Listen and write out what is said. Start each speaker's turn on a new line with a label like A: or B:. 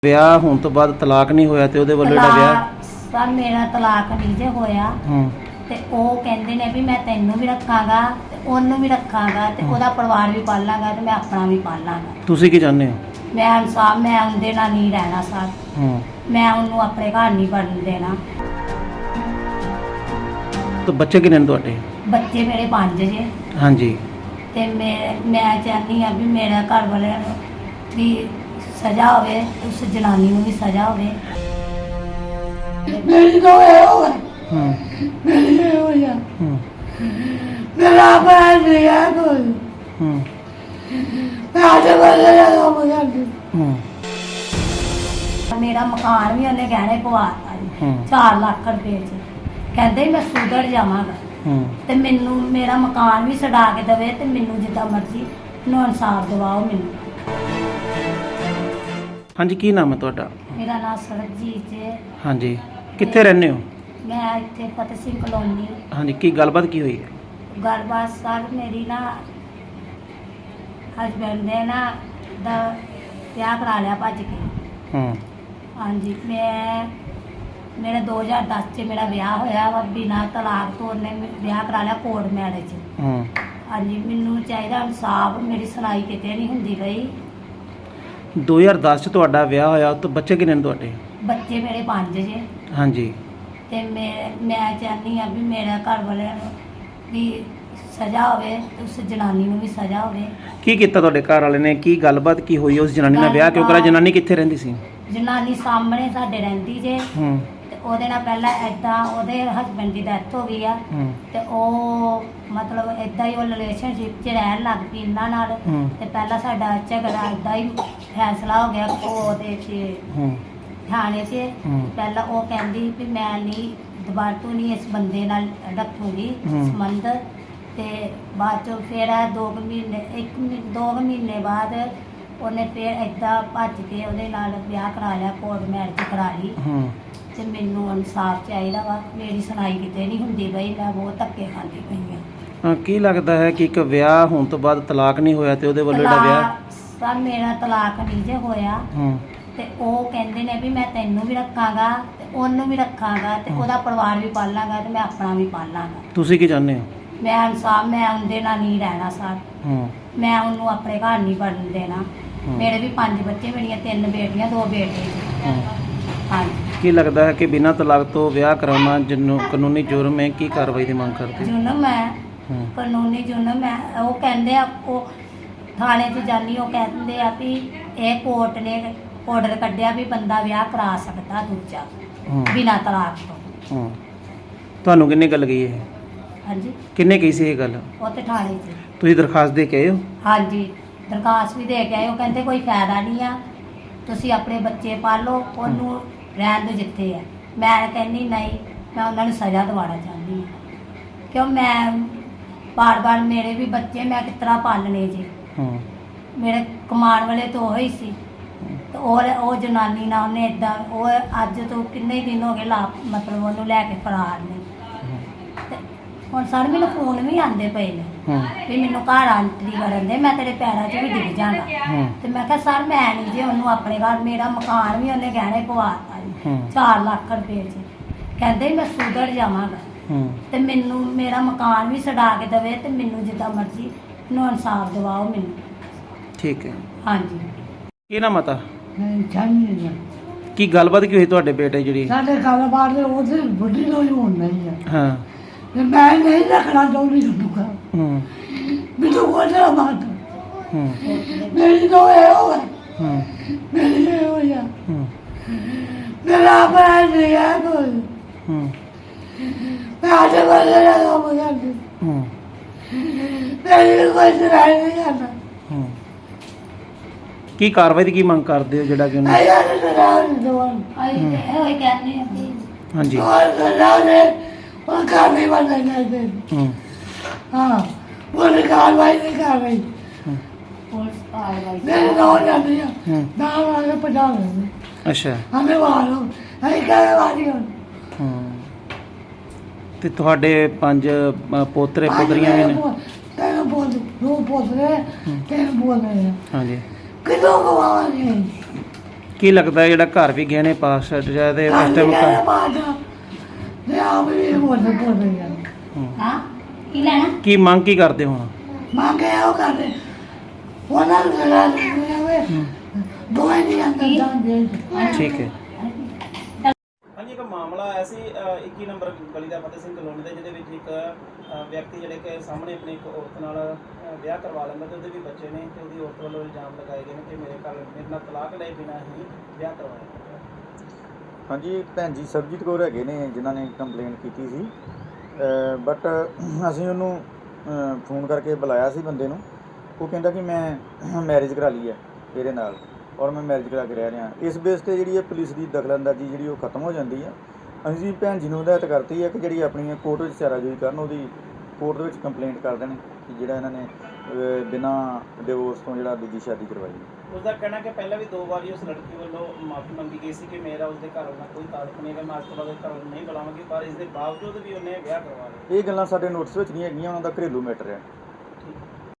A: ਵਿਆਹ ਹੋਣ ਤੋਂ ਬਾਅਦ ਤਲਾਕ ਨਹੀਂ ਹੋਇਆ ਤੇ ਉਹਦੇ ਵੱਲੋਂ ਜਿਹੜਾ ਵਿਆਹ
B: ਸਰ ਮੇਰਾ ਤਲਾਕ ਨਹੀਂ ਜੇ ਹੋਇਆ ਤੇ ਉਹ ਕਹਿੰਦੇ ਨੇ ਵੀ ਮੈਂ ਤੈਨੂੰ ਵੀ ਰੱਖਾਂਗਾ ਤੇ ਉਹਨੂੰ ਵੀ ਰੱਖਾਂਗਾ ਤੇ ਉਹਦਾ ਪਰਿਵਾਰ ਵੀ ਪਾਲਾਂਗਾ ਤੇ ਮੈਂ ਆਪਣਾ ਵੀ ਪਾਲਾਂਗਾ।
A: ਤੁਸੀਂ ਕੀ ਚਾਹੁੰਦੇ ਹੋ?
B: ਮੈਂ ਇਨਸਾਫ, ਮੈਂ ਉਹਦੇ ਨਾਲ ਨਹੀਂ ਰਹਿਣਾ ਸਰ। ਮੈਂ ਉਹਨੂੰ ਆਪਣੇ ਘਰ ਨਹੀਂ ਵੜਨ ਦੇਣਾ।
A: ਤੇ ਬੱਚੇ ਕਿੰਨੇ ਨੇ ਤੁਹਾਡੇ?
B: ਬੱਚੇ ਮੇਰੇ 5 ਜੇ।
A: ਹਾਂਜੀ।
B: ਤੇ ਮੈਂ ਚਾਹੁੰਦੀ ਆ ਵੀ ਮੇਰਾ ਘਰ ਵਾਲਿਆਂ ਨੂੰ ਵੀ ਸਜ਼ਾ ਹੋਵੇ, ਉਸ ਜਨਾਨੀ ਨੂੰ ਵੀ ਸਜ਼ਾ ਹੋਵੇ। ਮੇਰੀ ਤਾਂ ਇਹ ਹੋਇਆ ਮੇਰੀ ਇਹ ਹੋਇਆ ਮੇਰਾ ਭੈਣ ਨਹੀਂ ਹੈ ਕੋਈ। ਮੈਂ ਅੱਜ ਬੰਦੇ ਦਾ ਕੰਮ ਕਰਦੀ। ਮੇਰਾ ਮਕਾਨ ਵੀ ਉਹਨੇ ਗਹਿਣੇ ਪਵਾਤਾ ਜੀ 4 ਲੱਖ ਰੁਪਏ ਚ। ਕਹਿੰਦੇ ਮੈਂ ਸੁਧਰ ਜਾਵਾਂਗਾ ਤੇ ਮੈਨੂੰ ਮੇਰਾ ਮਕਾਨ ਵੀ ਛਡਾ ਕੇ ਦੇਵੇ ਤੇ ਮੈਨੂੰ ਜਿੱਦਾਂ ਮਰਜ਼ੀ ਨੂੰ ਇਨਸਾਫ ਦਿਵਾਓ ਮੈਨੂੰ।
A: ਹਾਂਜੀ, ਕੀ ਨਾਮ ਹੈ ਤੁਹਾਡਾ?
B: ਮੇਰਾ ਨਾਮ ਸਰਬਜੀਤ ਹੈ।
A: ਹਾਂਜੀ, ਕਿੱਥੇ ਰਹਿੰਦੇ ਹੋ?
B: ਮੈਂ ਇੱਥੇ ਫਤਿਹ ਸਿੰਘ ਕਲੋਨੀ।
A: ਹਾਂਜੀ, ਕੀ ਗੱਲਬਾਤ ਕੀ ਹੋਈ ਹੈ?
B: ਗੱਲਬਾਤ ਸਰ ਮੇਰੀ ਨਾ ਹਸਬੈਂਡ ਨੇ ਨਾ ਦਾ ਵਿਆਹ ਕਰਾ ਲਿਆ ਭੱਜ ਕੇ। ਹਾਂਜੀ, ਮੇਰਾ 2010 ਚ ਮੇਰਾ ਵਿਆਹ ਹੋਇਆ ਵਾ ਬਿਨਾਂ ਤਲਾਕ ਤੋਂ। ਉਹਨੇ ਵਿਆਹ ਕਰਾ ਲਿਆ ਕੋਰਟ ਮੈਰਿਜ। ਹਾਂਜੀ, ਮੈਨੂੰ ਚਾਹੀਦਾ ਇਨਸਾਫ। ਮੇਰੀ ਸੁਣਾਈ ਕਿਤੇ ਨਹੀਂ ਹੁੰਦੀ ਪਈ।
A: 2010 ਚ ਤੁਹਾਡਾ ਵਿਆਹ ਹੋਇਆ ਤਾਂ ਬੱਚੇ ਕਿੰਨੇ ਨੇ ਤੁਹਾਡੇ?
B: ਬੱਚੇ ਮੇਰੇ 5 ਜੇ।
A: ਹਾਂਜੀ।
B: ਤੇ ਮੈਂ ਚਾਹੁੰਦੀ ਆ ਵੀ ਮੇਰਾ ਘਰ ਵਾਲਿਆਂ ਨੂੰ ਵੀ ਸਜ਼ਾ ਹੋਵੇ, ਉਸ ਜਨਾਨੀ ਨੂੰ ਵੀ ਸਜ਼ਾ ਹੋਵੇ।
A: ਕੀ ਕੀਤਾ ਤੁਹਾਡੇ ਘਰ ਵਾਲੇ ਨੇ? ਕੀ ਗੱਲਬਾਤ ਕੀ ਹੋਈ? ਉਸ ਜਨਾਨੀ ਨਾਲ ਵਿਆਹ ਕਿਉਂ ਕਰਾਇਆ? ਜਨਾਨੀ ਕਿੱਥੇ ਰਹਿੰਦੀ ਸੀ?
B: ਜਨਾਨੀ ਸਾਹਮਣੇ ਸਾਡੇ ਰਹਿੰਦੀ ਜੇ। ਤੇ ਉਹਦੇ ਨਾਲ ਪਹਿਲਾਂ ਏਦਾਂ ਉਹਦੇ ਹਸਬੈਂਡ ਦੀ ਡੈਥ ਹੋ ਗਈ ਆ ਤੇ ਉਹ ਮਤਲਬ ਏਦਾਂ ਹੀ ਉਹ ਰਿਲੇਸ਼ਨਸ਼ਿਪ 'ਚ ਰਹਿਣ ਲੱਗ ਪਈ ਇਹਨਾਂ ਨਾਲ। ਤੇ ਪਹਿਲਾਂ ਸਾਡਾ ਝਗੜਾ ਏਦਾਂ ਹੀ ਫੈਸਲਾ ਹੋ ਗਿਆ ਉਹਦੇ 'ਚ ਥਾਣੇ 'ਚ। ਪਹਿਲਾਂ ਉਹ ਕਹਿੰਦੀ ਵੀ ਮੈਂ ਨਹੀਂ ਦੁਬਾਰਾ ਤੋਂ ਨਹੀਂ ਇਸ ਬੰਦੇ ਨਾਲ ਰੱਖੂਗੀ ਸੰਬੰਧ। ਤੇ ਬਾਅਦ ਚੋਂ ਫਿਰ 2 ਮਹੀਨੇ ਬਾਅਦ ਉਹਨੇ ਫਿਰ ਏਦਾਂ ਭੱਜ ਕੇ ਉਹਦੇ ਨਾਲ ਵਿਆਹ ਕਰਾ ਲਿਆ, ਕੋਰਟ ਮੈਰਿਜ ਕਰਾ ਲਈ। ਤੇ ਮੈਨੂੰ ਇਨਸਾਫ ਚਾਹੀਦਾ ਵਾ। ਮੇਰੀ ਸੁਣਾਈ ਕਿਤੇ ਨਹੀਂ ਹੁੰਦੀ ਬਈ। ਮੈਂ ਬਹੁਤ ਧੱਕੇ ਖਾਂਦੀ ਪਈ ਹਾਂ।
A: ਕੀ ਲੱਗਦਾ ਹੈ ਕਿ ਇੱਕ ਵਿਆਹ ਹੋਣ ਤੋਂ ਬਾਅਦ ਤਲਾਕ ਨਹੀਂ ਹੋਇਆ ਤੇ ਉਹਦੇ ਵੱਲੋਂ ਜਿਹੜਾ ਵਿਆਹ
B: ਸਰ ਮੇਰਾ ਤਲਾਕ ਨਹੀਂ ਜੇ ਹੋਇਆ ਤੇ ਉਹ ਕਹਿੰਦੇ ਨੇ ਵੀ ਮੈਂ ਤੈਨੂੰ ਵੀ ਰੱਖਾਂਗਾ ਤੇ ਉਹਨੂੰ ਵੀ ਰੱਖਾਂਗਾ ਤੇ ਉਹਦਾ ਪਰਿਵਾਰ ਵੀ ਪਾਲਾਂਗਾ ਤੇ ਮੈਂ ਆਪਣਾ ਵੀ ਪਾਲਾਂਗਾ।
A: ਤੁਸੀਂ ਕੀ ਚਾਹੁੰਦੇ ਹੋ? ਮੈਂ
B: ਇਨਸਾਫ, ਮੈਂ ਉਹਦੇ ਨਾਲ ਨਹੀਂ ਰਹਿਣਾ ਸਰ। ਮੈਂ ਉਹਨੂੰ ਆਪਣੇ ਘਰ ਨਹੀਂ ਵੜਨ ਦੇਣਾ। ਮੇਰੇ ਵੀ 5 ਬੱਚੇ, ਮੇਰੀਆਂ 3 ਬੇਟੀਆਂ 2 ਬੇਟੇ। ਹਾਂਜੀ। ਕੀ
A: ਲੱਗਦਾ ਹੈ ਕਿ ਬਿਨਾਂ ਤਲਾਕ ਤੋਂ ਵਿਆਹ ਕਰਾਉਣਾ ਕਾਨੂੰਨੀ ਜੁਰਮ ਹੈ? ਕੀ ਕਾਰਵਾਈ ਦੀ ਮੰਗ ਕਰਦੇ?
B: ਜੁਰਮ ਹੈ, ਕਾਨੂੰਨੀ ਜੁਰਮ ਹੈ। ਉਹ ਕਹਿੰਦੇ ਆ, ਉਹ ਥਾਣੇ 'ਚ ਜਾਨੀ, ਉਹ ਕਹਿੰਦੇ ਆ ਵੀ ਇਹ ਕੋਰਟ ਨੇ ਆਰਡਰ ਕੱਢਿਆ ਵੀ ਬੰਦਾ ਵਿਆਹ ਕਰਾ ਸਕਦਾ ਦੂਜਾ ਬਿਨਾਂ ਤਲਾਕ ਤੋਂ।
A: ਤੁਹਾਨੂੰ ਕਿੰਨੇ ਗੱਲ ਕਹੀ ਇਹ?
B: ਹਾਂਜੀ।
A: ਕਿੰਨੇ ਕਹੀ ਸੀ ਇਹ ਗੱਲ? ਉਹ
B: ਤੇ ਥਾਣੇ 'ਚ।
A: ਤੁਸੀਂ ਦਰਖਾਸਤ ਦੇ ਕੇ ਆਏ ਹੋ?
B: ਹਾਂਜੀ, ਦਰਖਾਸਤ ਵੀ ਦੇ ਕੇ ਆਏ। ਉਹ ਕਹਿੰਦੇ ਕੋਈ ਫਾਇਦਾ ਨਹੀਂ ਆ, ਤੁਸੀਂ ਆਪਣੇ ਬੱਚੇ ਪਾਲੋ, ਉਹਨੂੰ ਰਹਿਣ ਦਿਓ ਜਿੱਥੇ ਹੈ। ਮੈਂ ਕਹਿੰਦੀ ਨਹੀਂ, ਮੈਂ ਉਹਨਾਂ ਨੂੰ ਸਜ਼ਾ ਦਿਵਾਉਣਾ ਚਾਹੁੰਦੀ ਹਾਂ। ਕਿਉਂ ਮੈਂ ਬਾਰ-ਬਾਰ ਮੇਰੇ ਵੀ ਬੱਚੇ ਮੈਂ ਕਿਸ ਤਰ੍ਹਾਂ ਪਾਲਣੇ ਜੀ। ਮੇਰੇ ਕਮਾਉਣ ਵਾਲੇ ਤਾਂ ਉਹ ਹੀ ਸੀ ਤੇ ਉਹ ਜਨਾਨੀ ਨਾਲ ਉਹਨੇ ਇਦਾਂ, ਉਹ ਅੱਜ ਤੋਂ ਕਿੰਨੇ ਦਿਨ ਹੋ ਗਏ ਮਤਲਬ ਉਹਨੂੰ ਲੈ ਕੇ ਫਰਾਰ ਨੇ। ਤੇ ਹੁਣ ਸਰ ਮੈਨੂੰ ਫੋਨ ਵੀ ਆਉਂਦੇ ਪਏ ਨੇ ਵੀ ਮੈਨੂੰ ਘਰ ਆਂਟਰੀ ਕਰਨ ਦੇ, ਮੈਂ ਤੇਰੇ ਪੈਰਾਂ 'ਚ ਵੀ ਡਿੱਗ ਜਾਣਾ। ਤੇ ਮੈਂ ਕਿਹਾ ਸਰ ਮੈਂ ਨਹੀਂ ਜੇ ਉਹਨੂੰ ਆਪਣੇ ਘਰ, ਮੇਰਾ ਮਕਾਨ ਵੀ ਉਹਨੇ ਗਹਿਣੇ ਪਵਾਤਾ ਜੀ 4 ਲੱਖ ਰੁਪਏ 'ਚ। ਕਹਿੰਦੇ ਮੈਂ ਸੁਧਰ ਜਾਵਾਂਗਾ ਤੇ ਮੈਨੂੰ ਮੇਰਾ ਮਕਾਨ ਵੀ ਛਡਾ ਕੇ ਦੇਵੇ ਤੇ ਮੈਨੂੰ ਜਿੱਦਾਂ ਮਰਜ਼ੀ ਨੂੰ ਇਨਸਾਫ ਦਿਵਾਓ ਮੈਨੂੰ। ਠੀਕ ਹੈ। ਹਾਂਜੀ।
A: ਕੀ ਨਾਮ ਮਤਾ? ਕੀ ਗੱਲਬਾਤ ਕੀ ਹੋਈ ਤੁਹਾਡੇ ਬੇਟੇ ਜਿਹੜੀ?
C: ਸਾਡੇ ਗੱਲਬਾਤ ਦੇ ਉਹਦੇ ਬੁੱਢੀ ਤੋਂ ਹੀ ਹੋਣ ਨਹੀਂ ਆ।
A: ਹਾਂ।
C: ਤੇ ਮੈਂ ਨਹੀਂ ਰੱਖਣਾ ਚਾਹੁੰਦੀ ਤੁਹਾਨੂੰ। ਮੈਨੂੰ ਕੋਝਾ ਬਾਤ ਮੇਰੀ ਤਾਂ ਇਹ ਹੋਇਆ ਮੇਰੀ ਇਹ ਹੋਇਆ ਮੇਰਾ ਭੈਣ ਨਹੀਂ ਹੈ ਕੋਈ। ਮੈਂ ਅੱਜ ਬੰਦੇ ਦਾ ਕੰਮ ਕਰਦੀ। ਮੇਰੀ ਕੋਈ ਸੁਣਾਈ ਨਹੀਂ ਕਰਦਾ।
A: ਕੀ ਕਾਰਵਾਈ ਦੀ ਕੀ ਮੰਗ ਕਰਦੇ ਹੋ ਜਿਹੜਾ ਕਿ ਉਹਨੇ? ਹਾਂਜੀ।
C: ਉਹ ਕਾਰਵਾਈ ਬੰਦਾ ਕਰਦੇ। ਹਾਂ, ਉਹ ਕਾਰਵਾਈ ਨਹੀਂ ਕਰ ਰਹੀ। ਮੇਰੇ ਨਾਲ ਜਾਂਦੀ ਆ ਨਾਲ ਆ ਕੇ ਪਜਾ ਲੈਂਦੇ।
A: ਅੱਛਾ।
C: ਹਮੇ ਵਾਲੋ ਅਸੀਂ ਕਹੇ ਵਾਲੀ ਹੁਣ।
A: ਤੇ ਤੁਹਾਡੇ 5 ਪੋਤਰੇ ਪੁੱਤਰੀਆਂ ਵੀ ਨੇ?
C: 3 ਪੋਤਰੇ 2 ਪੋਤਰੇ 3 ਪੋਤਰੇ।
A: ਹਾਂਜੀ।
C: ਕਿਦੋਂ ਗਵਾਵਾਂਗੇ?
A: ਕੀ ਲੱਗਦਾ ਜਿਹੜਾ ਘਰ ਵੀ ਗਹਿਣੇ ਪਾਸ ਜਾਂ ਤੇ ਉਸ ਟਾਈਮ
C: ਤੇ ਆਪ ਵੀ ਬੋਲ ਗਿਆ
B: ਹਾਂ ਕੀ ਲੈਣਾ
A: ਕੀ ਮੰਗ ਕੀ ਕਰਦੇ ਹੁਣ?
C: ਮੰਗੇ ਉਹ ਕਰਦੇ ਉਹਨਾਂ ਨੂੰ ਲਗਾ ਦੇ ਦੋਏ ਦੀ ਅੰਦਰ ਜਾਂਦੇ
A: ਠੀਕ ਹੈ।
D: ਹਾਂਜੀ, ਇੱਕ ਮਾਮਲਾ ਆਇਆ ਸੀ 21 ਨੰਬਰ ਗਲੀ ਦਾ ਫਤਿਹ ਸਿੰਘ ਕਲੋਨੀ ਦਾ, ਜਿਹਦੇ ਵਿੱਚ ਇੱਕ ਵਿਅਕਤੀ ਜਿਹੜੇ ਕਿ ਸਾਹਮਣੇ ਆਪਣੀ ਇੱਕ ਔਰਤ ਨਾਲ ਵਿਆਹ ਕਰਵਾ ਲੈਂਦਾ ਤੇ ਉਹਦੇ ਵੀ ਬੱਚੇ ਨੇ ਤੇ ਉਹਦੀ ਔਰਤ ਵੱਲੋਂ ਇਲਜ਼ਾਮ ਲਗਾਏ ਗਏ ਨੇ ਕਿ ਮੇਰੇ ਨਾਲ ਤਲਾਕ ਲਏ ਬਿਨਾਂ ਹੀ ਵਿਆਹ ਕਰਵਾਇਆ।
E: ਹਾਂਜੀ, ਇੱਕ ਭੈਣ ਜੀ ਸਰਬਜੀਤ ਕੌਰ ਹੈਗੇ ਨੇ ਜਿਨ੍ਹਾਂ ਨੇ ਕੰਪਲੇਂਟ ਕੀਤੀ ਸੀ, ਬਟ ਅਸੀਂ ਉਹਨੂੰ ਫੋਨ ਕਰਕੇ ਬੁਲਾਇਆ ਸੀ ਬੰਦੇ ਨੂੰ। ਉਹ ਕਹਿੰਦਾ ਕਿ ਮੈਂ ਮੈਰਿਜ ਕਰਾ ਲਈ ਹੈ ਇਹਦੇ ਨਾਲ ਔਰ ਮੈਂ ਮੈਰਿਜ ਕਰਾ ਕੇ ਰਹਿ ਰਿਹਾ। ਇਸ ਬੇਸ 'ਤੇ ਜਿਹੜੀ ਹੈ ਪੁਲਿਸ ਦੀ ਦਖਲਅੰਦਾਜ਼ੀ ਜਿਹੜੀ ਉਹ ਖਤਮ ਹੋ ਜਾਂਦੀ ਹੈ। ਅਸੀਂ ਭੈਣ ਜੀ ਨੂੰ ਹਦਾਇਤ ਕਰਤੀ ਹੈ ਕਿ ਜਿਹੜੀ ਆਪਣੀ ਕੋਰਟ ਵਿੱਚ ਚਾਰਾਜੋਈ ਕਰਨ, ਉਹਦੀ ਕੋਰਟ ਦੇ ਵਿੱਚ ਕੰਪਲੇਂਟ ਕਰ ਦੇਣ ਕਿ ਜਿਹੜਾ ਇਹਨਾਂ ਨੇ ਬਿਨਾਂ ਡਿਵੋਰਸ ਤੋਂ ਜਿਹੜਾ ਦੂਜੀ ਸ਼ਾਦੀ ਕਰਵਾਈ।
D: ਉਸਦਾ ਕਹਿਣਾ ਕਿ ਪਹਿਲਾਂ ਵੀ 2 ਵਾਰੀ ਉਸ ਲੜਕੀ ਵੱਲੋਂ ਮਾਫੀ ਮੰਗੀ ਗਈ ਸੀ ਕਿ ਮੇਰਾ ਉਸਦੇ ਘਰ ਨਾਲ ਕੋਈ ਤਾਲੁਕ ਨਹੀਂ ਹੈ, ਮੈਂ ਅੱਜ ਤੋਂ ਬਾਅਦ ਉਸ ਘਰ ਨੂੰ ਨਹੀਂ ਬੁਲਾਵਾਂਗੀ, ਪਰ ਇਸ ਦੇ ਬਾਵਜੂਦ ਵੀ ਉਹਨੇ ਵਿਆਹ ਕਰਵਾ ਲਿਆ।
E: ਇਹ ਗੱਲਾਂ ਸਾਡੇ ਨੋਟਿਸ ਵਿੱਚ ਨਹੀਂ ਹੈਗੀਆਂ, ਉਹਨਾਂ ਦਾ ਘਰੇਲੂ ਮੈਟਰ ਹੈ।